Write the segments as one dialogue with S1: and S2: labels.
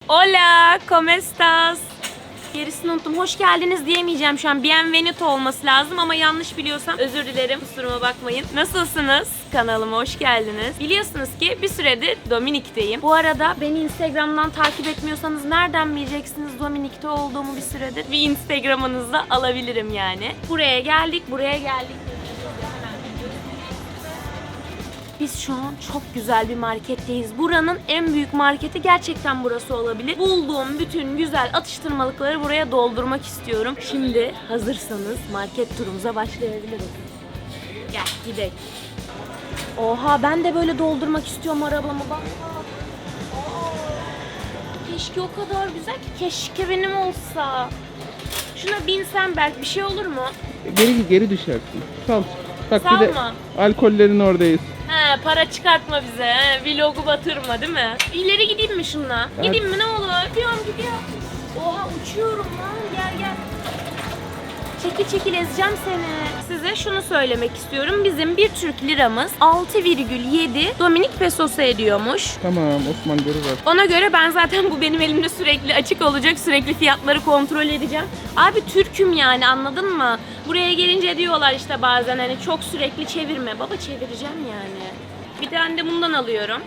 S1: Hola, ¿cómo estás? Gerisini unuttum. Hoş geldiniz diyemeyeceğim şu an. Bienvenido olması lazım ama yanlış biliyorsam özür dilerim. Kusuruma bakmayın. Nasılsınız? Kanalıma hoş geldiniz. Biliyorsunuz ki bir süredir Dominik'teyim. Bu arada beni Instagram'dan takip etmiyorsanız nereden bileceksiniz Dominik'te olduğumu bir süredir? Bir Instagram'ınızda alabilirim yani. Buraya geldik. Biz şu an çok güzel bir marketteyiz. Buranın en büyük marketi gerçekten burası olabilir. Bulduğum bütün güzel atıştırmalıkları buraya doldurmak istiyorum. Şimdi hazırsanız market turumuza başlayabiliriz. Gel gidelim. Oha, ben de böyle doldurmak istiyorum arabamı bak. Keşke o kadar güzel ki, keşke benim olsa. Şuna binsem belki bir şey olur mu?
S2: Geri düşersin. Sal. Bak
S1: Salma.
S2: bir de alkollerin oradayız.
S1: He, para çıkartma bize. He. Vlogu batırma değil mi? İleri gideyim mi şununla?
S2: Evet.
S1: Gideyim mi ne olur? Gidiyor. Oha, uçuyorum lan. Gel. Çekil ezeceğim seni. Size şunu söylemek istiyorum. Bizim bir Türk liramız 6,7 Dominik pesosu ediyormuş.
S2: Tamam, Osman görür.
S1: Ona göre ben zaten bu benim elimde sürekli açık olacak. Sürekli fiyatları kontrol edeceğim. Abi Türk'üm yani, anladın mı? Buraya gelince diyorlar işte bazen hani çok sürekli çevirme. Baba çevireceğim yani. Bir tane de bundan alıyorum.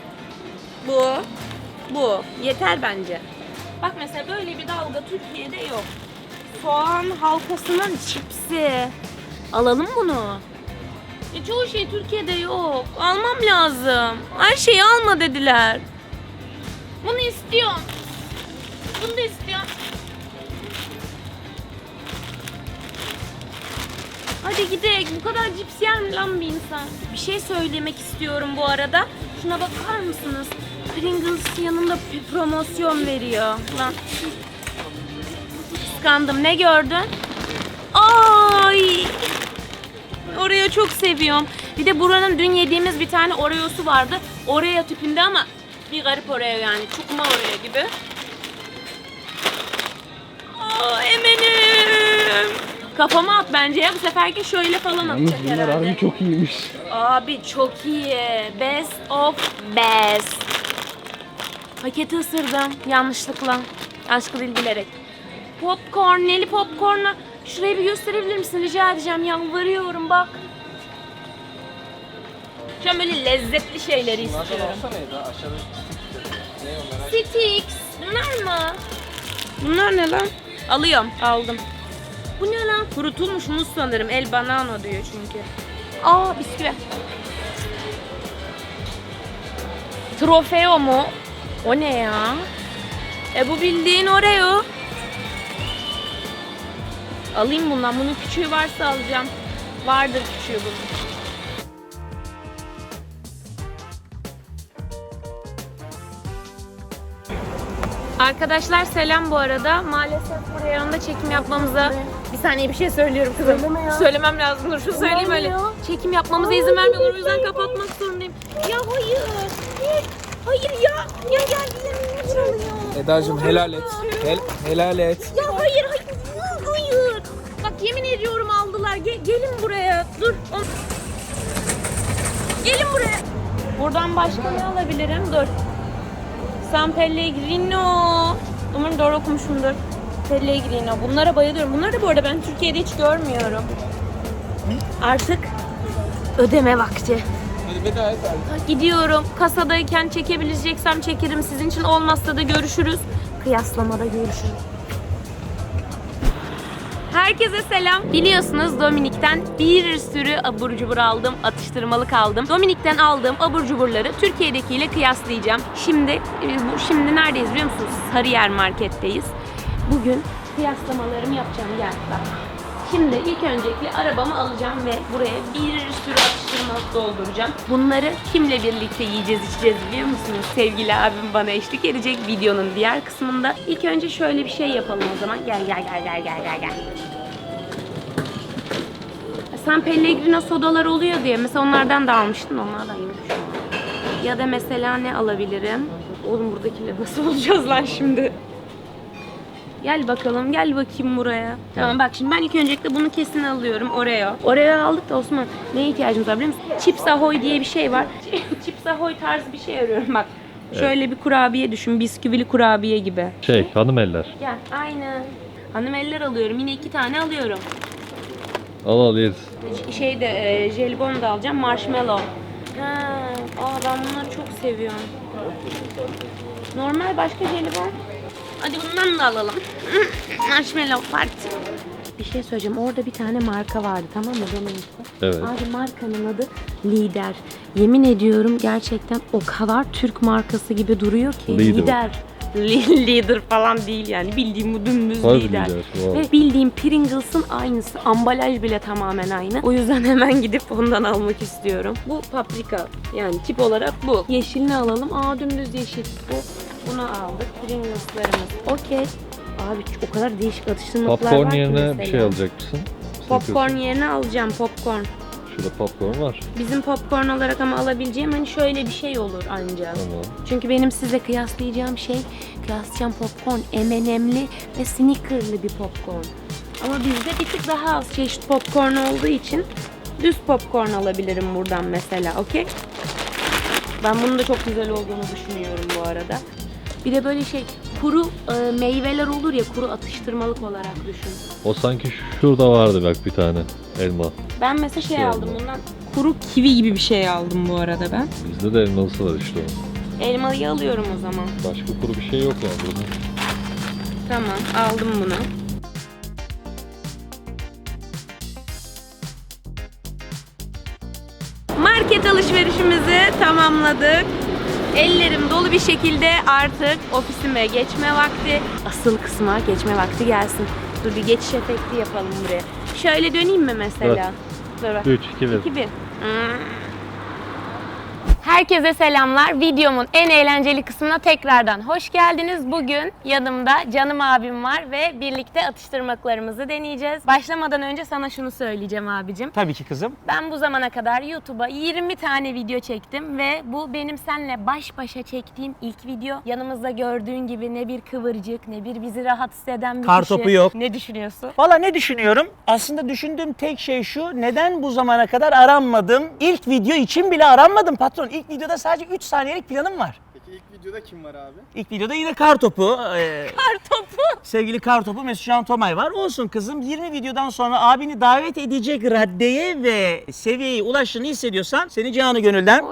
S1: Bu. Yeter bence. Bak mesela böyle bir dalga Türkiye'de yok. Soğan halkasının çipsi. Alalım bunu. Çoğu şey Türkiye'de yok. Almam lazım. Her şeyi alma dediler. Bunu istiyorum. Bunu da istiyorum. Hadi gidelim. Bu kadar cips yer mi lan bir insan? Bir şey söylemek istiyorum bu arada. Şuna bakar mısınız? Pringles yanında bir promosyon veriyor. Lan. Kıskandım. Ne gördün? Ay! Oreo çok seviyorum. Bir de buranın dün yediğimiz bir tane Oreo'su vardı. Oreo tipinde ama bir garip Oreo yani. Çukma Oreo gibi. Aa, eminim. Kafama at bence ya. Bu seferki şöyle falan
S2: Yalnız
S1: atacak
S2: bunlar
S1: herhalde.
S2: harbi çok iyiymiş.
S1: Abi çok iyi. Best of best. Paketi ısırdım yanlışlıkla. Aşkı değil, bilerek. Popcorn, neli popcorn'la. Şurayı bir gösterebilir misin? Rica edeceğim. Yalvarıyorum bak. Şu an böyle lezzetli şeyleri istiyorum. Sticks. Bunlar mı? Bunlar ne lan? Alıyorum. Aldım. Bu ne lan? Kurutulmuş muz sanırım. El banano diyor çünkü. Aa, bisküvi. Trofeo mu? O ne ya? Bu bildiğin Oreo. Alayım bundan. Bunun küçüğü varsa alacağım. Vardır küçüğü bunun. Arkadaşlar selam bu arada. Maalesef buraya yanında çekim yapmamıza... Bir saniye, bir şey söylüyorum kızım. Söylemem lazım. Dur şunu söyleyeyim öyle. Çekim yapmamıza izin vermiyorlar. O yüzden kapatmak zorundayım. Ya hayır. Hayır ya. Ya gel bize çalıyor.
S3: Edacığım helal et. Helal et.
S1: Ya hayır. Bak yemin ediyorum aldılar. Gelin buraya. Dur. Gelin buraya. Buradan başka ne alabilirim? Dur. San Pellegrino. Umarım doğru okumuşumdur. Pellegrino. Bunlara bayılıyorum. Bunları da bu arada ben Türkiye'de hiç görmüyorum. Artık ödeme vakti.
S3: Hadi veda et abi.
S1: Gidiyorum. Kasadayken çekebileceksem çekerim. Sizin için olmazsa da görüşürüz. Kıyaslamada görüşürüz. Herkese selam. Biliyorsunuz Dominik'ten bir sürü abur cubur aldım, atıştırmalık aldım. Dominik'ten aldığım abur cuburları Türkiye'dekiyle kıyaslayacağım. Şimdi neredeyiz biliyor musunuz? Sarıyer marketteyiz. Bugün kıyaslamalarımı yapacağım. Gel bak. Şimdi ilk öncelikle arabamı alacağım ve buraya bir sürü atıştırmalık dolduracağım. Bunları kimle birlikte yiyeceğiz, içeceğiz biliyor musunuz? Sevgili abim bana eşlik edecek videonun diğer kısmında. İlk önce şöyle bir şey yapalım o zaman. Gel. San Pellegrino sodalar oluyor diye mesela onlardan da almıştın. Onlardan yok şu an. Ya da mesela ne alabilirim? Oğlum buradakiyle nasıl olacağız lan şimdi? Gel bakalım, gel bakayım buraya. Tamam bak şimdi ben ilk öncelikle bunu kesin alıyorum. Oreo aldık da Osman neye ihtiyacımız var biliyor musun? Chips Ahoy diye bir şey var. Chips Ahoy tarzı bir şey arıyorum bak. Şöyle bir kurabiye düşün, bisküvili kurabiye gibi.
S4: Hanım eller.
S1: Gel, aynen. Hanım eller alıyorum, yine 2 tane alıyorum.
S4: Al yeriz.
S1: Jelibon da alacağım, marshmallow. Ben bunları çok seviyorum. Normal başka jelibon. Hadi bundan da alalım. Marshmallow parti. Bir şey söyleyeceğim. Orada bir tane marka vardı, tamam mı?
S4: Evet.
S1: Abi markanın adı Lider. Yemin ediyorum gerçekten o kadar Türk markası gibi duruyor ki.
S4: Lider.
S1: Lider falan değil yani. Bildiğim bu dümdüz
S4: Harbi
S1: Lider.
S4: Lider, wow.
S1: Ve bildiğim Pringles'ın aynısı. Ambalaj bile tamamen aynı. O yüzden hemen gidip ondan almak istiyorum. Bu paprika. Yani tip olarak bu. Yeşilini alalım. Dümdüz yeşil. Bunu aldık. Pringles'larımız. Okey. Abi o kadar değişik atıştırmalıklar var
S4: Popcorn
S1: ki
S4: yerine
S1: mesela.
S4: bir şey alacak mısın?
S1: Popcorn yerine alacağım popcorn.
S4: Şurada popcorn var.
S1: Bizim popcorn olarak ama alabileceğim hani şöyle bir şey olur ancak.
S4: Tamam.
S1: Çünkü benim size kıyaslayacağım popcorn M&M'li ve Snickers'lı bir popcorn. Ama bizde bir tık daha az çeşit popcorn olduğu için düz popcorn alabilirim buradan mesela, okey? Ben bunun da çok güzel olduğunu düşünüyorum bu arada. Bir de böyle kuru meyveler olur ya, kuru atıştırmalık olarak düşün.
S4: O sanki şurada vardı bak bir tane elma.
S1: Ben mesela aldım bundan. Kuru kivi gibi bir şey aldım bu arada ben.
S4: Bizde de elmalısı var işte o.
S1: Elmalıyı alıyorum o zaman.
S4: Başka kuru bir şey yok yani burada.
S1: Tamam, aldım bunu. Market alışverişimizi tamamladık. Ellerim dolu bir şekilde artık ofisime geçme vakti. Asıl kısma geçme vakti gelsin. Dur bir geçiş efekti yapalım buraya. Şöyle döneyim mi mesela? Dur bak.
S4: 3, 2, 1.
S1: 2-1. Herkese selamlar. Videomun en eğlenceli kısmına tekrardan hoş geldiniz. Bugün yanımda canım abim var ve birlikte atıştırmalıklarımızı deneyeceğiz. Başlamadan önce sana şunu söyleyeceğim abicim.
S5: Tabii ki kızım.
S1: Ben bu zamana kadar YouTube'a 20 tane video çektim ve bu benim seninle baş başa çektiğim ilk video. Yanımızda gördüğün gibi ne bir kıvırcık, ne bir bizi rahatsız eden bir
S5: Kartopu
S1: kişi.
S5: yok.
S1: Ne düşünüyorsun?
S5: Valla ne düşünüyorum? Aslında düşündüğüm tek şey şu. Neden bu zamana kadar aranmadım? İlk video için bile aranmadım patron. İlk videoda sadece 3 saniyelik planım var.
S3: Peki ilk videoda kim var abi?
S5: İlk videoda yine Kartopu.
S1: Kartopu.
S5: Sevgili Kartopu Mesut Can Tomay var. Olsun kızım, 20 videodan sonra abini davet edecek raddeye ve seviyeye ulaştığını hissediyorsan seni canı gönülden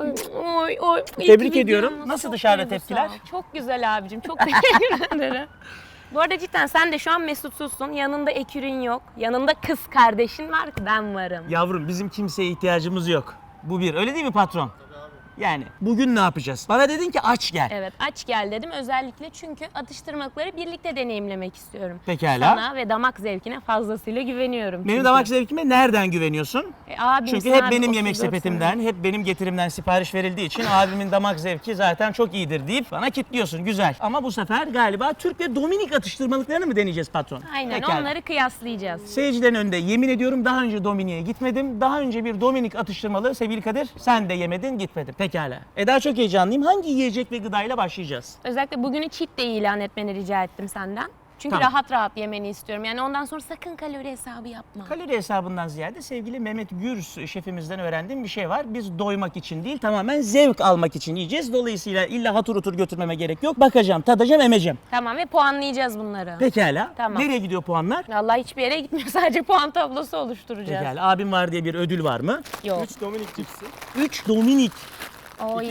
S1: Oy.
S5: Tebrik
S1: İlk
S5: ediyorum.
S1: videomuz
S5: Nasıl
S1: çok
S5: dışarıda
S1: duygusal.
S5: tepkiler?
S1: Çok güzel abicim. Çok teşekkür ederim. Bu arada cidden sen de şu an mesutsuzsun. Yanında ekürün yok. Yanında kız kardeşin var, ben varım.
S5: yavrum bizim kimseye ihtiyacımız yok. Bu bir. Öyle değil mi patron? Yani bugün ne yapacağız? Bana dedin ki aç gel.
S1: Evet, aç gel dedim özellikle çünkü atıştırmalıkları birlikte deneyimlemek istiyorum.
S5: Pekala.
S1: Sana ve damak zevkine fazlasıyla güveniyorum.
S5: Benim
S1: çünkü.
S5: damak zevkime nereden güveniyorsun?
S1: Abimsin
S5: Çünkü hep
S1: abi,
S5: benim
S1: 34
S5: yemek sepetimden, hep benim getirimden sipariş verildiği için abimin damak zevki zaten çok iyidir deyip bana kitliyorsun. Güzel. Ama bu sefer galiba Türk ve Dominik atıştırmalıklarını mı deneyeceğiz patron?
S1: Aynen,
S5: Pekala.
S1: onları kıyaslayacağız.
S5: Seyircilerin önünde yemin ediyorum daha önce Dominik'e gitmedim. Daha önce bir Dominik atıştırmalığı sevgili Kadir sen de yemedin, gitmedin. Pekala. Daha çok heyecanlıyım. Hangi yiyecek ve gıdayla başlayacağız?
S1: Özellikle bugünü cheat day ilan etmeni rica ettim senden. Çünkü
S5: Tamam.
S1: rahat rahat yemeni istiyorum. Yani ondan sonra sakın kalori hesabı yapma.
S5: Kalori hesabından ziyade sevgili Mehmet Gürs şefimizden öğrendiğim bir şey var. Biz doymak için değil, tamamen zevk almak için yiyeceğiz. Dolayısıyla illa hatır otur götürmeme gerek yok. Bakacağım, tadacağım, emeceğim.
S1: Tamam ve puanlayacağız bunları.
S5: Pekala.
S1: Tamam.
S5: Nereye gidiyor puanlar?
S1: Vallahi hiçbir yere gitmiyor. Sadece puan tablosu oluşturacağız.
S5: Pekala. Abim var diye bir ödül var mı?
S1: Yok.
S3: 3 Dominik cipsi.
S5: 3 Dominik.
S1: Oy.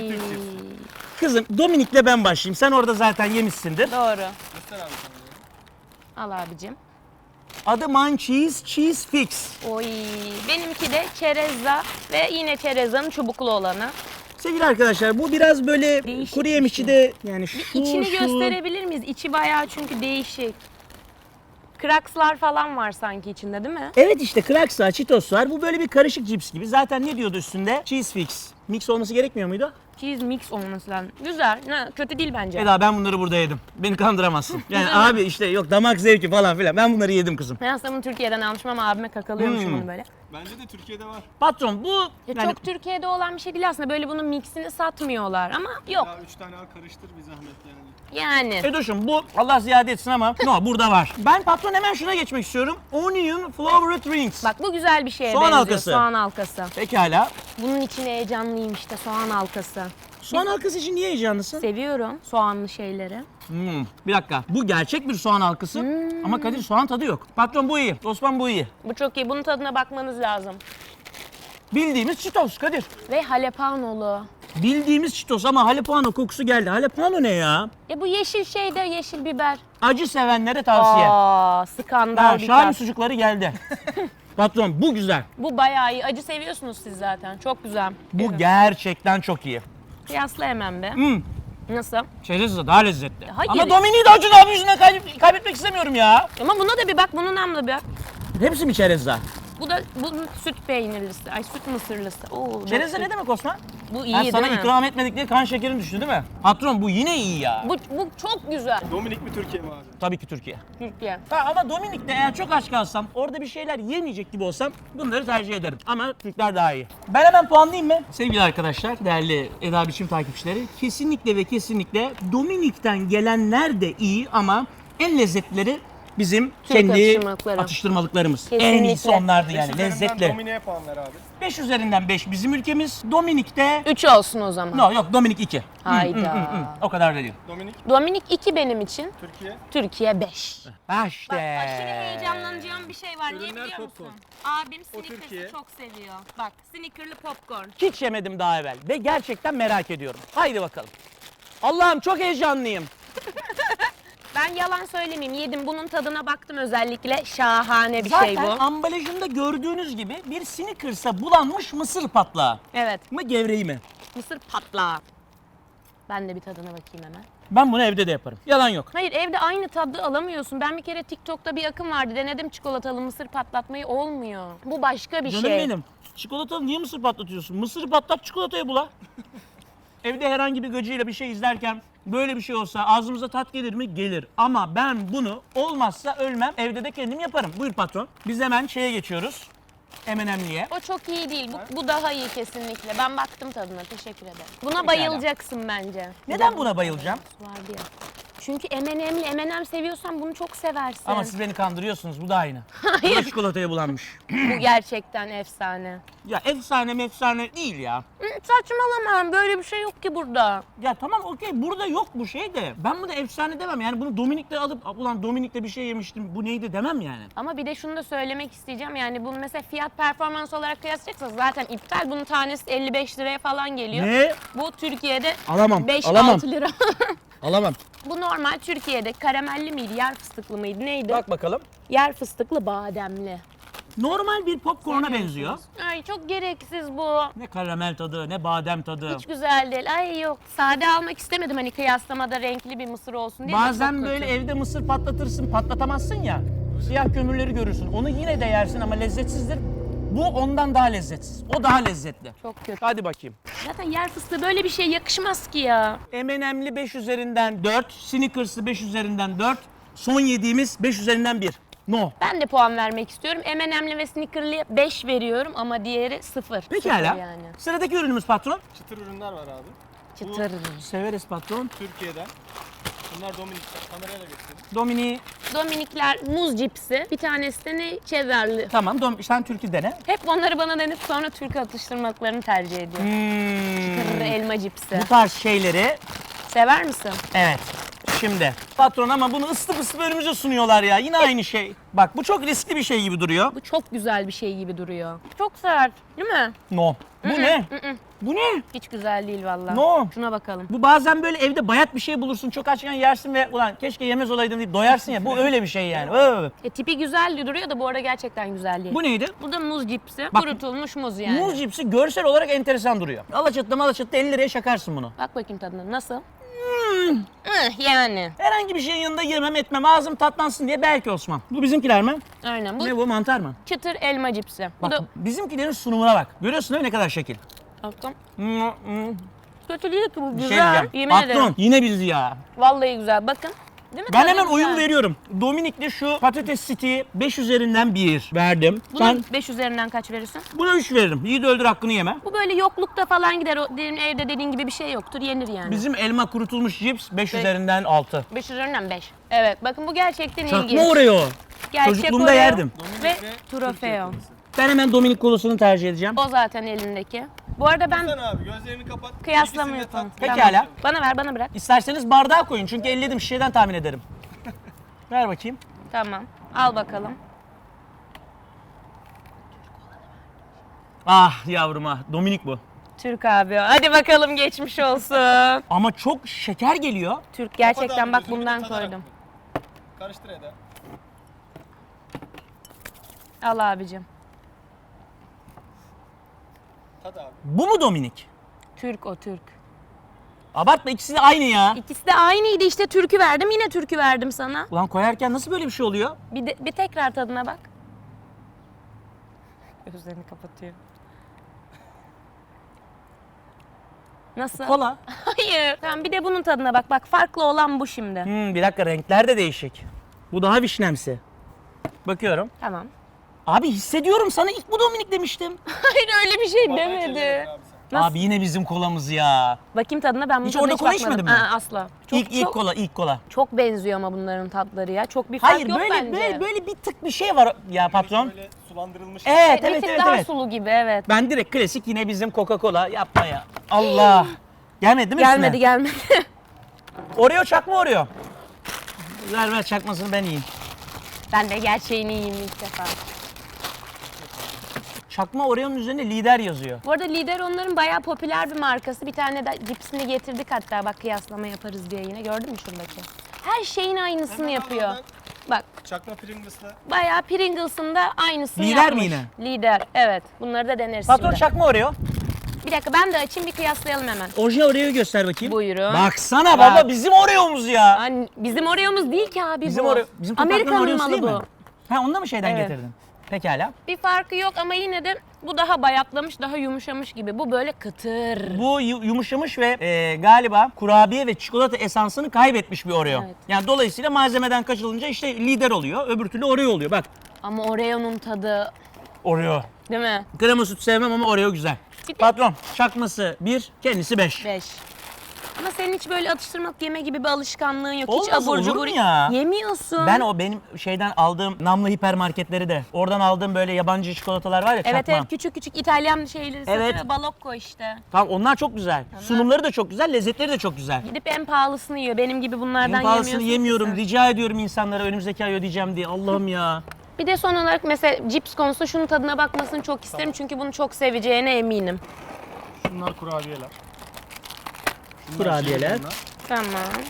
S5: Kızım Dominik'le ben başlayayım. Sen orada zaten yemişsindir.
S1: Doğru.
S3: Göster abi sana.
S1: Al abicim.
S5: Adı Munchies Cheese Fix.
S1: Oy. Benimki de çerezza ve yine çerezzanın çubuklu olanı.
S5: Sevgili arkadaşlar bu biraz böyle
S1: Değişik
S5: kuru
S1: bir
S5: yemişçi
S1: şey.
S5: de yani
S1: İçini gösterebilir miyiz? İçi bayağı çünkü değişik. Krakslar falan var sanki içinde değil mi?
S5: Evet işte Kraks var, Cheetos var. Bu böyle bir karışık cips gibi. Zaten ne diyordu üstünde? Cheese Fix. Mix olması gerekmiyor muydu?
S1: Cheese mix olması lazım. Güzel. Kötü değil bence.
S5: Eda ben bunları burada yedim. Beni kandıramazsın. Yani abi işte yok damak zevki falan filan. Ben bunları yedim kızım.
S1: Ben aslında bunu Türkiye'den almışım ama abime kakalıyormuşum bunu böyle.
S3: Bence de Türkiye'de var.
S5: Patron bu
S1: Ya
S5: yani
S1: çok Türkiye'de olan bir şey değil aslında. Böyle bunun mixini satmıyorlar ama yok.
S3: Ya 3 tane al karıştır bir zahmet yani.
S1: Yani.
S5: Edoş'um bu Allah ziyade etsin ama no burada var. Ben patron hemen şuna geçmek istiyorum. Onion flavored rings.
S1: Bak bu güzel bir şeye
S5: Soğan
S1: benziyor.
S5: halkası.
S1: Soğan halkası.
S5: Pekala.
S1: Bunun için heyecanlıyım işte soğan halkası.
S5: Soğan halkası için niye heyecanlısın?
S1: Seviyorum soğanlı şeyleri.
S5: Bir dakika. Bu gerçek bir soğan halkası ama Kadir soğan tadı yok. Patron bu iyi. Osman bu iyi.
S1: Bu çok iyi. Bunun tadına bakmanız lazım.
S5: Bildiğimiz Cheetos Kadir.
S1: Ve jalapenolu.
S5: Bildiğimiz Cheetos ama jalapeno kokusu geldi. Jalapeno ne ya?
S1: Bu yeşil şey de yeşil biber.
S5: Acı sevenlere tavsiye.
S1: Skandal bir
S5: Şahin
S1: tat.
S5: sucukları geldi. Patron bu güzel.
S1: Bu bayağı iyi. Acı seviyorsunuz siz zaten. Çok güzel.
S5: Bu gerçekten çok iyi.
S1: Kıyasla hemen be. Nasıl?
S5: Çerezle daha lezzetli.
S1: Hayır.
S5: Ama Domini'yi de acı abi yüzünden kaybetmek istemiyorum ya.
S1: Ama buna da bir bak. Bunun namlı bir bak.
S5: Hepsi mi çerezle?
S1: Bunun süt peynirlisi. Ay süt mısırlısı. Oo,
S5: Çerezle
S1: süt.
S5: ne demek Osman?
S1: Bu iyi
S5: Ben
S1: değil
S5: sana
S1: mi?
S5: ikram etmedik diye kan şekerin düştü değil mi? Patron bu yine iyi ya.
S1: Bu çok güzel.
S3: Dominik mi Türkiye mi abi?
S5: Tabii ki Türkiye.
S1: Türkiye.
S5: Ama Dominik'te eğer çok aç kalsam, orada bir şeyler yemeyecek gibi olsam bunları tercih ederim. Ama Türkler daha iyi. Ben hemen puanlayayım mı? Sevgili arkadaşlar, değerli Eda Biçim takipçileri, kesinlikle ve kesinlikle Dominik'ten gelenler de iyi ama en lezzetlileri bizim
S1: Türk
S5: kendi
S1: atıştırmalıkları.
S5: atıştırmalıklarımız. En
S1: Kesinlikle.
S5: iyisi onlardı yani,
S3: Beş üzerinden
S5: lezzetli.
S3: Dominik'e puan ver abi.
S5: 5 üzerinden 5 bizim ülkemiz. Dominik'te...
S1: 3 olsun o zaman.
S5: No, yok Dominik 2.
S1: Hayda.
S5: O kadar da değil.
S3: Dominik,
S1: Dominik 2 benim için.
S3: Türkiye.
S1: Türkiye 5.
S5: İşte.
S1: Aşırı heyecanlanacağım bir şey var. Niye
S3: Ürünler
S1: biliyor musun?
S3: popcorn.
S1: Abim
S3: Türkiye.
S1: Snickers'ı çok seviyor. Bak Snicker'lı popcorn.
S5: Hiç yemedim daha evvel ve gerçekten merak ediyorum. Haydi bakalım. Allah'ım çok heyecanlıyım.
S1: Ben yalan söylemeyeyim. Yedim. Bunun tadına baktım özellikle. Şahane bir
S5: Zaten
S1: şey bu.
S5: ambalajında gördüğünüz gibi bir Snickers'a bulanmış mısır patlağı.
S1: Evet.
S5: Mı gevreği mi?
S1: Mısır patlağı. Ben de bir tadına bakayım hemen.
S5: Ben bunu evde de yaparım. Yalan yok.
S1: Hayır evde aynı tadı alamıyorsun. Ben bir kere TikTok'ta bir akım vardı. Denedim çikolatalı mısır patlatmayı olmuyor. Bu başka bir
S5: Canım
S1: şey.
S5: benim. Çikolatalı niye mısır patlatıyorsun? Mısırı patlat çikolataya bula. Evde herhangi bir gıcıyla bir şey izlerken böyle bir şey olsa ağzımıza tat gelir mi? Gelir. Ama ben bunu olmazsa ölmem. Evde de kendim yaparım. Buyur patron. Biz hemen şeye geçiyoruz. M&M'liye.
S1: O çok iyi değil. Bu daha iyi kesinlikle. Ben baktım tadına. Teşekkür ederim. Buna
S5: Pekala.
S1: bayılacaksın bence.
S5: Neden buna bayılacağım?
S1: Vardı ya. Çünkü M&M seviyorsan bunu çok seversin.
S5: Ama siz beni kandırıyorsunuz. Bu da aynı. Bu da çikolataya bulanmış.
S1: Bu gerçekten efsane.
S5: Ya efsane mefsane değil ya.
S1: Saçmalama. Böyle bir şey yok ki burada.
S5: Ya tamam okey burada yok bu şey de. Ben bunu efsane demem yani bunu Dominik'te alıp ulan Dominik'te bir şey yemiştim bu neydi demem yani.
S1: Ama bir de şunu da söylemek isteyeceğim. Yani bunu mesela fiyat performans olarak kıyaslayacaksanız zaten iptal. Bunun tanesi 55 liraya falan geliyor.
S5: Ne?
S1: Bu Türkiye'de
S5: Alamam,
S1: 5-6
S5: alamam.
S1: lira.
S5: Alamam.
S1: Bu normal Türkiye'de karamelli miydi, yer fıstıklı mıydı, neydi?
S5: Bak bakalım.
S1: Yer fıstıklı bademli.
S5: Normal bir popcorn'a benziyor.
S1: Ay çok gereksiz bu.
S5: Ne karamel tadı ne badem tadı.
S1: Hiç güzel değil. Ay yok. Sade almak istemedim hani kıyaslamada renkli bir mısır olsun diye. de
S5: Bazen
S1: çok
S5: böyle
S1: kötü.
S5: evde mısır patlatırsın patlatamazsın ya. Siyah kömürleri görürsün. Onu yine de yersin ama lezzetsizdir. Bu ondan daha lezzetsiz. O daha lezzetli.
S1: Çok kötü.
S5: Hadi bakayım.
S1: Zaten yer fıstığı böyle bir şey yakışmaz ki ya.
S5: M&M'li 5 üzerinden 4, Snickers'lı 5 üzerinden 4, son yediğimiz 5 üzerinden 1. No.
S1: Ben de puan vermek istiyorum. M&M'li ve Snicker'lıya 5 veriyorum ama diğeri 0.
S5: Pekala.
S1: Yani.
S5: Sıradaki ürünümüz patron.
S3: Çıtır ürünler var abi.
S1: Çıtır.
S5: Severiz patron.
S3: Türkiye'den. Bunlar Dominik'ten. Kamerayla göstereyim.
S5: Domini.
S1: Dominikler muz cipsi. Bir tanesi de ne? Cheddarlı.
S5: Tamam sen Türk'ü dene.
S1: Hep onları bana denip sonra Türk atıştırmalıklarını tercih ediyor. Çıtır elma cipsi.
S5: Bu tarz şeyleri
S1: Sever misin?
S5: evet. Şimdi patron ama bunu ısıtıp ısıtıp önümüze sunuyorlar ya. Yine aynı şey. Bak bu çok riskli bir şey gibi duruyor.
S1: Bu çok güzel bir şey gibi duruyor. Çok sert değil mi?
S5: No. Bu ne? Bu ne?
S1: Hiç güzel değil vallahi.
S5: No.
S1: Şuna bakalım.
S5: Bu bazen böyle evde bayat bir şey bulursun. Çok açken yersin ve ulan keşke yemez olaydım deyip doyarsın ya. Bu öyle bir şey yani.
S1: Tipi güzel duruyor da bu arada gerçekten güzel değil.
S5: Bu neydi?
S1: Bu da muz cipsi.
S5: Bak-
S1: Kurutulmuş muz yani.
S5: Muz cipsi görsel olarak enteresan duruyor. Alaçatı'da 50 liraya şakarsın bunu.
S1: Bak bakayım tadına. Nasıl? Yani.
S5: Herhangi bir şeyin yanında yemem etmem ağzım tatlansın diye belki Osman. Bu bizimkiler mi?
S1: Aynen. Bu
S5: Ne bu mantar mı?
S1: çıtır elma cipsi. Bu
S5: Bak
S1: da
S5: bizimkilerin sunumuna bak. Görüyorsun değil mi ne kadar şekil?
S1: baktım.
S5: Bir
S1: Kötü değil ki bu
S5: şey
S1: güzel.
S5: diyeceğim.
S1: Yemin
S5: Patron
S1: ederim.
S5: yine biz ya.
S1: Vallahi güzel. Bakın. Değil mi?
S5: Ben
S1: Tadı
S5: hemen
S1: güzel.
S5: oyun veriyorum. Dominik'le şu patates city'yi 5 üzerinden 1 verdim.
S1: Buna
S5: Sen
S1: 5 üzerinden kaç verirsin?
S5: buna 3 veririm. Yiğit öldür hakkını yeme.
S1: Bu böyle yoklukta falan gider. O evde dediğin gibi bir şey yoktur. Yenir yani.
S5: Bizim elma kurutulmuş cips 5 üzerinden 6.
S1: 5 üzerinden 5. Evet bakın bu gerçekten
S5: Çakma
S1: ilginç.
S5: Oreo.
S1: Gerçek
S5: Çocukluğumda
S1: Oreo
S5: yerdim.
S1: Ve
S3: Türkiye
S1: trofeo.
S3: kolisi.
S5: Ben hemen Dominik kolasını tercih edeceğim.
S1: O zaten elindeki. Bu arada ben
S3: Sen abi gözlerini kapat.
S1: kıyaslama
S3: İkisini de
S1: yapalım.
S3: tat.
S5: Pekala.
S1: Bana ver, bana bırak.
S5: İsterseniz bardağa koyun çünkü elledim şişeden tahmin ederim. Ver bakayım.
S1: Tamam. Al bakalım.
S5: Ah yavrum ah. Dominik bu.
S1: Türk abi. Hadi bakalım geçmiş olsun.
S5: Ama çok şeker geliyor.
S1: Türk
S3: Kapat
S1: gerçekten
S3: abi,
S1: bak
S3: gözünü
S1: bundan
S3: tadarak.
S1: koydum.
S3: Karıştır Eda.
S1: Al abicim.
S3: Tat abi.
S5: Bu mu Dominik?
S1: Türk o Türk.
S5: Abartma ikisi de aynı ya.
S1: İkisi de aynıydı işte, türkü verdim, yine türkü verdim sana.
S5: Ulan koyarken nasıl böyle bir şey oluyor?
S1: Bir tekrar tadına bak. Gözlerini kapatıyor. Nasıl?
S5: Kola.
S1: Hayır. Tamam, bir de bunun tadına bak. Bak, farklı olan bu şimdi.
S5: Bir dakika renkler de değişik. Bu daha vişnemsi. Bakıyorum.
S1: Tamam.
S5: Abi hissediyorum sana ilk bu Dominik demiştim.
S1: Hayır, öyle bir şey
S3: Vallahi
S1: demedi.
S3: çevirdin abi sen.
S1: Nasıl?
S5: Abi yine bizim kolamız ya.
S1: Bakayım tadına, ben bunun
S5: Hiç
S1: tadına
S5: orada kola
S1: bakmadım.
S5: içmedin mi?
S1: Aa, asla. Çok,
S5: ilk
S1: çok,
S5: kola, ilk kola.
S1: çok benziyor ama bunların tatları ya. Çok bir fark
S5: Hayır
S1: yok
S5: böyle,
S1: bence.
S5: böyle bir tık bir şey var ya patron.
S3: Böyle sulandırılmış.
S5: Evet
S1: Bir
S5: evet
S1: tık
S5: evet
S1: daha
S5: evet.
S1: sulu gibi, evet.
S5: Ben direkt klasik yine bizim Coca-Cola yapma ya. Allah. Gelmedi mi
S1: Gelmedi
S5: üstüne?
S1: gelmedi.
S5: Oreo çakma Oreo. Ver çakmasını ben yiyeyim.
S1: Ben de gerçeğini yiyeyim ilk defa.
S5: Çakma Oreo'nun üzerinde lider yazıyor.
S1: Bu arada Lider onların bayağı popüler bir markası. Bir tane de cipsini getirdik hatta, bak kıyaslama yaparız diye yine. Gördün mü şuradaki? Her şeyin aynısını
S3: Hemen
S1: yapıyor.
S3: al oradan.
S1: Bak,
S3: Çakma Pringles'la.
S1: bayağı Pringles'ın da aynısını
S5: Lider
S1: yapmış.
S5: mi yine?
S1: Lider, evet. Bunları da deneriz
S5: Patron
S1: şimdi.
S5: çakma Oreo.
S1: Bir dakika, ben de açayım, bir kıyaslayalım hemen.
S5: Orijinal Oreo'yu göster bakayım.
S1: Buyurun.
S5: Baksana
S1: Bak.
S5: baba bizim Oreo'muz ya.
S1: Hani bizim Oreo'muz değil ki abi
S5: Bizim
S1: bu.
S5: Oreo, bizim toprakların
S1: Amerika'nın
S5: Oreo'su
S1: malı
S5: değil mi?
S1: bu.
S5: Ha onu da mı şeyden
S1: Evet.
S5: getirdin? Pekala.
S1: Bir farkı yok ama yine de bu daha bayatlamış, daha yumuşamış gibi. Bu böyle kıtır.
S5: Bu yumuşamış ve galiba kurabiye ve çikolata esansını kaybetmiş bir Oreo.
S1: Evet.
S5: Yani dolayısıyla malzemeden kaçılınca işte lider oluyor, öbür türlü Oreo oluyor. Bak
S1: Ama Oreo'nun tadı,
S5: Oreo.
S1: değil mi?
S5: Krema süt sevmem ama Oreo güzel.
S1: Bir de-
S5: Patron çakması 1, kendisi 5.
S1: 5. Ama senin hiç böyle atıştırmalık yeme gibi bir alışkanlığın yok.
S5: Olmaz,
S1: hiç abur
S5: olur mu
S1: cubur
S5: ya?
S1: yemiyorsun.
S5: Ben o benim şeyden aldığım namlı hipermarketleri de oradan aldığım böyle yabancı çikolatalar var ya
S1: Evet
S5: çakma.
S1: evet, küçük küçük İtalyan şeyleri satıyor.
S5: Evet.
S1: Balokko işte.
S5: Tamam onlar çok güzel. Sunumları da çok güzel, lezzetleri de çok güzel.
S1: Gidip en pahalısını yiyor. Benim gibi bunlardan
S5: En pahalısını
S1: yemiyorsun.
S5: yemiyorum.
S1: ki sen.
S5: Rica ediyorum insanlara önümüzdeki ay ödeyeceğim diye. Allah'ım ya.
S1: Bir de son olarak mesela cips konusunda şunun tadına bakmasını çok isterim. Çünkü bunu çok seveceğine eminim.
S3: Şunlar kurabiyeler.
S5: Kurabiyeler.
S3: bunlar.
S1: Tamam.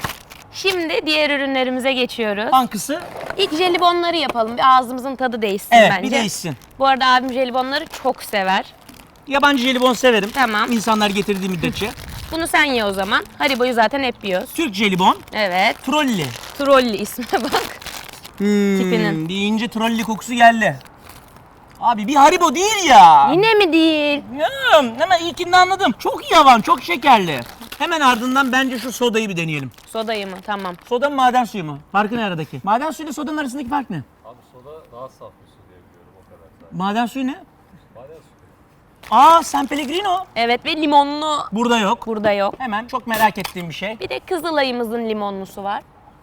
S1: Şimdi diğer ürünlerimize geçiyoruz.
S5: Bankası.
S1: İlk jelibonları yapalım. Bir ağzımızın tadı değişsin
S5: Evet
S1: bence.
S5: bir değişsin.
S1: Bu arada abim jelibonları çok sever.
S5: Yabancı jelibon severim.
S1: Tamam.
S5: İnsanlar getirdiği müddetçe.
S1: Bunu sen ye o zaman. Haribo'yu zaten hep yiyoruz.
S5: Türk jelibon.
S1: Evet.
S5: Trolli.
S1: Trolli ismine bak. Tipinin.
S5: Deyince trolli kokusu geldi. Abi bir Haribo değil ya.
S1: Yine mi değil?
S5: Hemen ilkinde anladım. Çok yavan, çok şekerli. Hemen ardından bence şu sodayı bir deneyelim.
S1: Sodayı mı? Tamam.
S5: Soda mı maden suyu mu? Farkı ne aradaki? Maden suyu ile sodanın arasındaki fark ne?
S4: Abi soda daha saf bir su diye biliyorum o kadar. Zaten.
S5: Maden suyu ne?
S4: Maden suyu.
S5: Aa San Pellegrino.
S1: Evet ve limonlu
S5: Burada yok.
S1: burada yok.
S5: Hemen çok merak ettiğim bir şey.
S1: Bir de Kızılay'ımızın limonlusu var.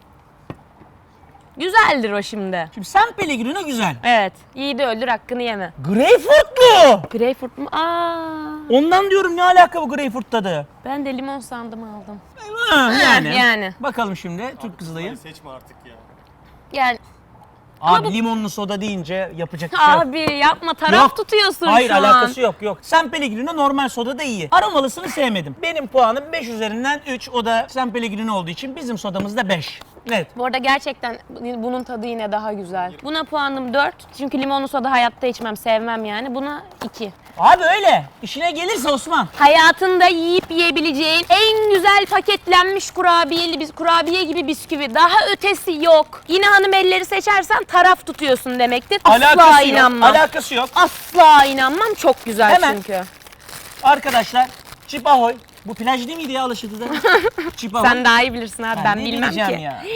S1: Güzeldir o şimdi.
S5: Şimdi San Pellegrino güzel.
S1: Evet. Yiğidi öldür, hakkını yeme.
S5: Greyfurtlu.
S1: Greyfurt mu? Aa.
S5: Ondan diyorum ne alaka bu greyfurt tadı?
S1: Ben de limon sandım, aldım.
S5: Yani. Bakalım şimdi Türk Kızılay'ı.
S3: Seçme artık ya.
S1: Yani
S5: Abi limonlu soda deyince yapacak bir şey yok.
S1: abi yapma, taraf
S5: Yok.
S1: tutuyorsun
S5: Hayır
S1: şu an.
S5: alakası yok. San Pellegrino normal soda da iyi. Aromalısını sevmedim. Benim puanım 5 üzerinden 3. O da San Pellegrino olduğu için bizim sodamız da 5. Net.
S1: Bu arada gerçekten bunun tadı yine daha güzel. Buna puanım 4. Çünkü limonlu soda hayatta içmem, sevmem yani. Buna 2.
S5: Abi öyle. İşine gelirse Osman.
S1: Hayatında yiyip yiyebileceğin en güzel paketlenmiş kurabiye gibi bisküvi. Daha ötesi yok. Yine hanımelleri seçersen taraf tutuyorsun demektir. Asla
S5: Alakası
S1: inanmam.
S5: yok. Alakası yok.
S1: Asla inanmam. Çok güzel
S5: Hemen.
S1: çünkü.
S5: Arkadaşlar Çip Ahoy. Bu plaj değil miydi ya Alaşıklı'da? Çip Ahoy.
S1: Sen daha iyi bilirsin abi. Ben
S5: ne
S1: bilmem ki.
S5: bileceğim ya.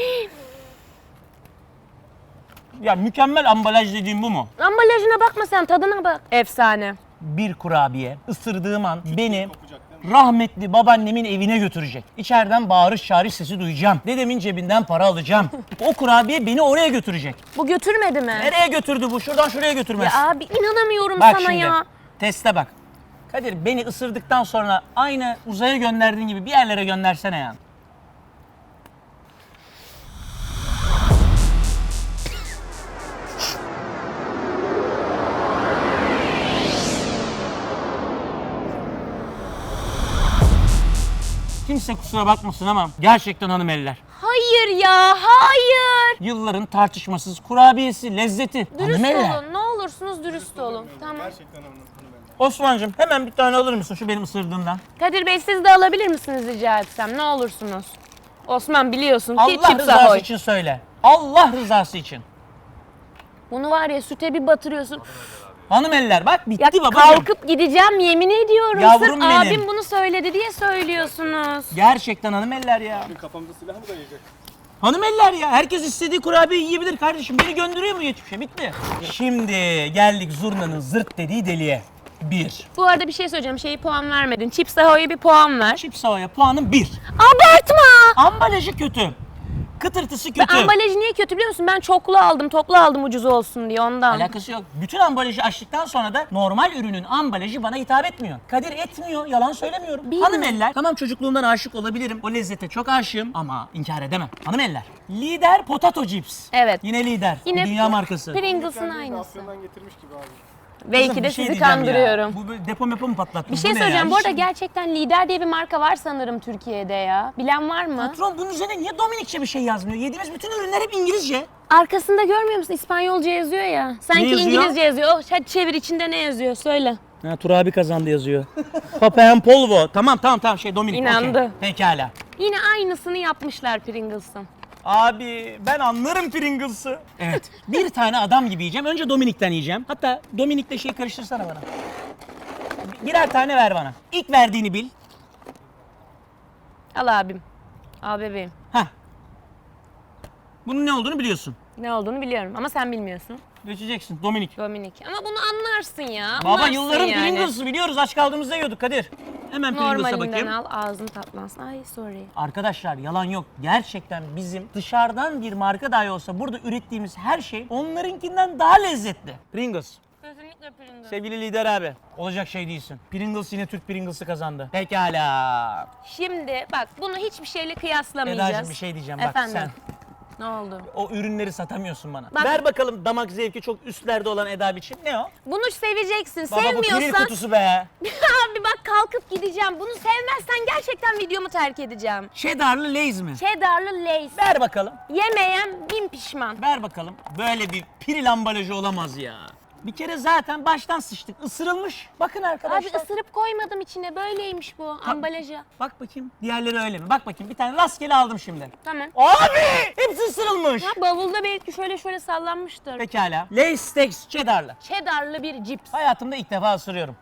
S5: Ya mükemmel ambalaj dediğim bu mu?
S1: Ambalajına bakma sen, tadına bak. Efsane.
S5: Bir kurabiye ısırdığım an beni rahmetli babaannemin evine götürecek. İçeriden bağırış çağırış sesi duyacağım. Dedemin cebinden para alacağım. O kurabiye beni oraya götürecek.
S1: Bu götürmedi mi?
S5: Nereye götürdü bu? Şuradan şuraya götürmez.
S1: Ya abi inanamıyorum
S5: Bak
S1: sana
S5: şimdi.
S1: ya.
S5: Teste bak. Kadir beni ısırdıktan sonra aynı uzaya gönderdiğin gibi bir yerlere göndersene ya. Kimse kusura bakmasın ama gerçekten hanımeliler.
S1: Hayır ya, hayır.
S5: Yılların tartışmasız kurabiyesi, lezzeti.
S1: Dürüst
S5: Hanımeliler.
S1: olun. Ne olursunuz dürüst olun. Tamam.
S3: Gerçekten hanımefendi.
S5: Osman'cığım hemen bir tane alır mısın şu benim ısırdığımdan?
S1: Kadir Bey siz de alabilir misiniz rica etsem? Ne olursunuz. Osman biliyorsun ki
S5: Allah
S1: Chips
S5: rızası
S1: Ahoy.
S5: için söyle. Allah rızası için.
S1: Bunu var ya süte bir batırıyorsun.
S5: Hanımeliler bak bitti
S1: Ya
S5: babacığım.
S1: kalkıp gideceğim yemin ediyorum.
S5: Yavrum
S1: Sırf
S5: benim.
S1: abim bunu söyledi diye söylüyorsunuz.
S5: Gerçekten hanımeliler ya.
S3: Kafamda silah mı dayayacak?
S5: Hanımeliler ya. Herkes istediği kurabiye yiyebilir kardeşim. Beni gönderiyor mu geçmişe? Bitti. Şimdi geldik zurnanın zırt dediği deliğe. 1.
S1: Bu arada bir şey söyleyeceğim. Şeyi puan vermedin. Chips Ahoy'a bir puan ver.
S5: Chips Ahoy'a puanım 1.
S1: Abartma!
S5: Ambalajı kötü. Kıtırtısı
S1: Ve
S5: kötü.
S1: ambalajı niye kötü biliyor musun? Ben toplu aldım ucuz olsun diye ondan.
S5: Alakası yok. Bütün ambalajı açtıktan sonra da normal ürünün ambalajı bana hitap etmiyor. Kadir etmiyor. Yalan söylemiyorum.
S1: Bilmiyorum.
S5: Hanımeliler, tamam çocukluğumdan aşık olabilirim. O lezzete çok aşığım ama inkar edemem. Hanımeliler. Lider Potato Chips.
S1: Evet.
S5: Yine lider.
S1: Yine
S5: Dünya markası.
S1: Pringles'ın
S3: Kendini
S1: aynısı.
S3: Afyon'dan getirmiş gibi abi.
S1: Belki
S5: Kızım,
S1: de
S5: bir şey
S1: sizi
S5: diyeceğim
S1: kandırıyorum.
S5: ya. Bu böyle depo mepo mu patlattın?
S1: Bir şey
S5: Bu ne
S1: söyleyeceğim.
S5: ya?
S1: Bu arada
S5: Hiç-
S1: gerçekten Lider diye bir marka var sanırım Türkiye'de ya. Bilen var mı?
S5: Patron bunun üzerine niye Dominikçe bir şey yazmıyor? Yediğimiz bütün ürünler hep İngilizce.
S1: Arkasında görmüyor musun? İspanyolca yazıyor ya. Sanki
S5: yazıyor?
S1: İngilizce yazıyor. Oh, hadi çevir içinde ne yazıyor söyle.
S5: Ha, Tur abi kazandı yazıyor. Papayan Polvo. Tamam şey Dominik.
S1: İnandı.
S5: okey. Pekala.
S1: Yine aynısını yapmışlar Pringles'ın.
S5: Abi ben anlarım Pringles'ı. Evet. Bir tane adam gibi yiyeceğim. Önce Dominik'ten yiyeceğim. Hatta Dominik'le şey karıştırsana bana. Birer tane ver bana. İlk verdiğini bil.
S1: Al abim. Al bebeğim.
S5: Heh. Bunun ne olduğunu biliyorsun.
S1: Ne olduğunu biliyorum ama sen bilmiyorsun.
S5: Geçeceksin Dominik.
S1: Dominik. Ama bunu anlarsın ya.
S5: Baba
S1: anlarsın
S5: yılların
S1: yani.
S5: Pringles'ı biliyoruz. Aç kaldığımızda yiyorduk Kadir. Hemen Pringles'a
S1: Normalinden
S5: bakayım.
S1: al ağzın tatlansın. Ay sorry.
S5: Arkadaşlar yalan yok. Gerçekten bizim dışarıdan bir marka dahi olsa burada ürettiğimiz her şey onlarınkinden daha lezzetli. Pringles.
S1: Kesinlikle Pringles.
S5: Sevgili lider abi. Olacak şey değilsin. Pringles yine Türk Pringles'ı kazandı. Pekala.
S1: Şimdi bak bunu hiçbir şeyle kıyaslamayacağız.
S5: Eda'cığım bir şey diyeceğim bak
S1: Efendim?
S5: sen.
S1: Ne oldu?
S5: O ürünleri satamıyorsun bana.
S1: Bak-
S5: Ver bakalım damak zevki çok üstlerde olan Eda biçim. Ne o?
S1: Bunu seveceksin.
S5: Baba bu piril
S1: Sevmiyorsan
S5: kutusu be.
S1: abi bak kalkıp gideceğim. Bunu sevmezsen gerçekten videomu terk edeceğim.
S5: Cheddarlı Lay's mi?
S1: Cheddarlı Lay's.
S5: Ver bakalım.
S1: Yemeyen bin pişman.
S5: Ver bakalım. Böyle bir piril ambalajı olamaz ya. Bir kere zaten baştan sıçtık. Isırılmış. Bakın
S1: Abi
S5: arkadaşlar.
S1: ısırıp koymadım içine. Böyleymiş bu ambalajı.
S5: Bak bakayım. Diğerleri öyle mi? Bak bakayım. Bir tane rastgele aldım şimdi.
S1: Tamam.
S5: Abi! Hepsi ısırılmış.
S1: Ha, bavulda belki şöyle sallanmıştır.
S5: Pekala. Lay's Steaks Cheddarlı.
S1: Cheddarlı bir cips.
S5: Hayatımda ilk defa ısırıyorum.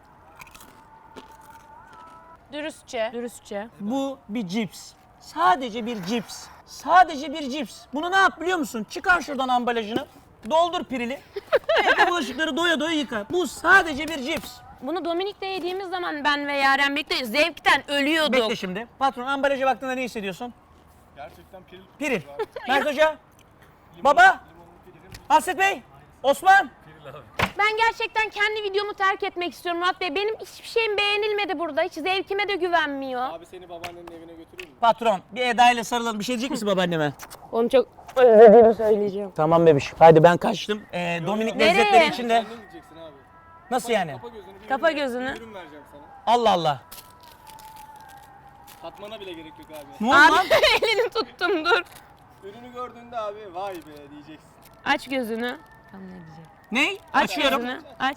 S1: Dürüstçe. Dürüstçe.
S5: Bu bir cips. Sadece bir cips. Sadece bir cips. Bunu ne yap biliyor musun? Çıkar şuradan ambalajını. Doldur pirili. Evde bulaşıkları doya doya yıka. Bu sadece bir cips.
S1: Bunu Dominik'te yediğimiz zaman ben ve Yaren birlikte zevkten ölüyorduk.
S5: Bekle şimdi. Patron ambalaja baktığında ne hissediyorsun?
S3: Gerçekten piril.
S5: Piril. Mert Hoca. Baba. Hasret Bey. Osman.
S1: Ben gerçekten kendi videomu terk etmek istiyorum Murat Bey. Benim hiçbir şeyim beğenilmedi burada. Hiç zevkime de güvenmiyor.
S3: Abi seni babaannenin evine götüreyim mi?
S5: Patron. Bir Eda ile sarılalım. Bir şey diyecek misin babaanneme?
S1: Onu çok özlediğimi söyleyeceğim.
S5: Tamam bebiş. Hadi ben kaçtım. Dominik
S1: Nereye?
S5: lezzetleri içinde.
S3: Sen ne diyeceksin abi?
S5: Nasıl yani?
S3: Kapa gözünü. bir
S1: Kapa
S3: ürün-
S1: gözünü.
S3: bir ürün vereceğim sana.
S5: Allah Allah.
S3: Tatmana bile gerek yok abi.
S5: Ne oldu lan?
S1: Abi elini tuttum dur.
S3: Ürünü gördüğünde abi vay be diyeceksin.
S1: Aç gözünü. Tam ne diyecek?
S5: Ney?
S1: Aç
S5: Açıyorum.
S1: gözünü. Aç.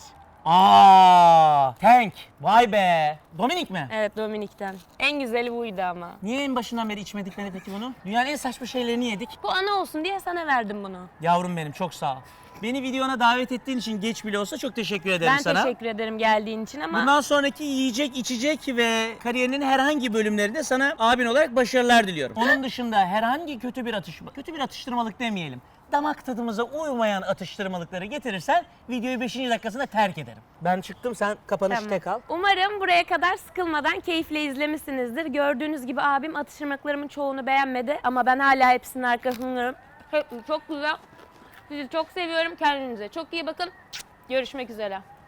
S5: Tank. Vay be. Dominik mi?
S1: Evet Dominik'ten. En güzeli buydu ama.
S5: Niye en başından beri içmedikleri peki bunu? Dünyanın en saçma şeylerini yedik.
S1: Bu ana olsun diye sana verdim bunu.
S5: Yavrum benim çok sağ ol. Beni videona davet ettiğin için geç bile olsa çok teşekkür ederim
S1: Ben
S5: sana.
S1: teşekkür ederim geldiğin için ama
S5: Bundan sonraki yiyecek, içecek ve kariyerinin herhangi bölümlerinde sana abin olarak başarılar diliyorum. Onun dışında herhangi kötü bir atıştırmalık demeyelim. Damak tadımıza uymayan atıştırmalıkları getirirsen videoyu 5. dakikasında terk ederim. Ben çıktım, sen kapanış
S1: Tamam.
S5: tek al.
S1: Umarım buraya kadar sıkılmadan keyifle izlemişsinizdir. Gördüğünüz gibi abim atıştırmalıklarımın çoğunu beğenmedi ama ben hala hepsinin arkasındayım. Çok güzel. Sizi çok seviyorum. Kendinize çok iyi bakın. Görüşmek üzere.